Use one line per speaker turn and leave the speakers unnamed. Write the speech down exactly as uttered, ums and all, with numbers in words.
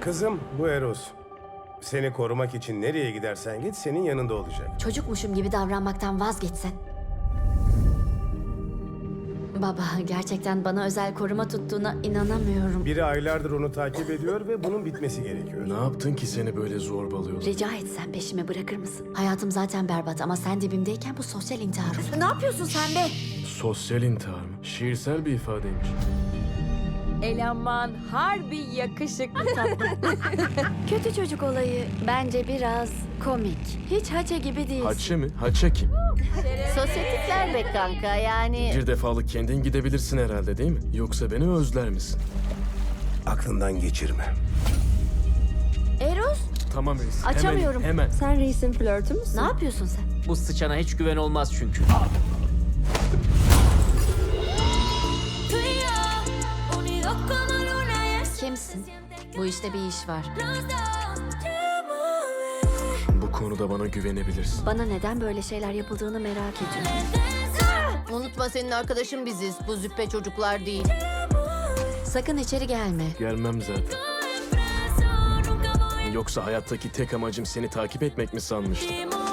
Kızım, bu Eros. Seni korumak için nereye gidersen git senin yanında olacak.
Çocukmuşum gibi davranmaktan vazgeçsen. Baba, gerçekten bana özel koruma tuttuğuna inanamıyorum.
Biri aylardır onu takip ediyor ve bunun bitmesi gerekiyor.
Ne yaptın ki seni böyle zorbalıyorlar?
Rica etsem peşime bırakır mısın? Hayatım zaten berbat ama sen dibimdeyken bu sosyal intihar olur. Ne yapıyorsun sen be?
Sosyal intihar mı? Şiirsel bir ifadeymiş.
Eleman harbi yakışıklı tatlı.
Kötü çocuk olayı bence biraz komik. Hiç haça gibi değilsin.
Haçe mi? Haçe kim?
Sosyetikler be kanka yani.
Bir defalık kendin gidebilirsin herhalde değil mi? Yoksa beni özler misin?
Aklından geçirme.
Eros,
Tamam reis.
Açamıyorum.
Hemen, hemen.
Sen reisin flörtü müsün?
ne yapıyorsun sen?
Bu sıçana hiç güven olmaz çünkü.
Tú y yo, unidos como luna y el sol
Kimsin? Bu işte bir iş var.
los dos. Te amo, bebé.
Bu konuda bana güvenebilirsin.
Bana neden böyle şeyler yapıldığını merak ediyorum.
Unutma senin arkadaşın biziz. Bu züppe çocuklar değil.
Sakın içeri gelme.
Gelmem zaten.
Estoy preso, nunca voy
Yoksa hayattaki tek amacım seni takip etmek mi sanmıştım?
a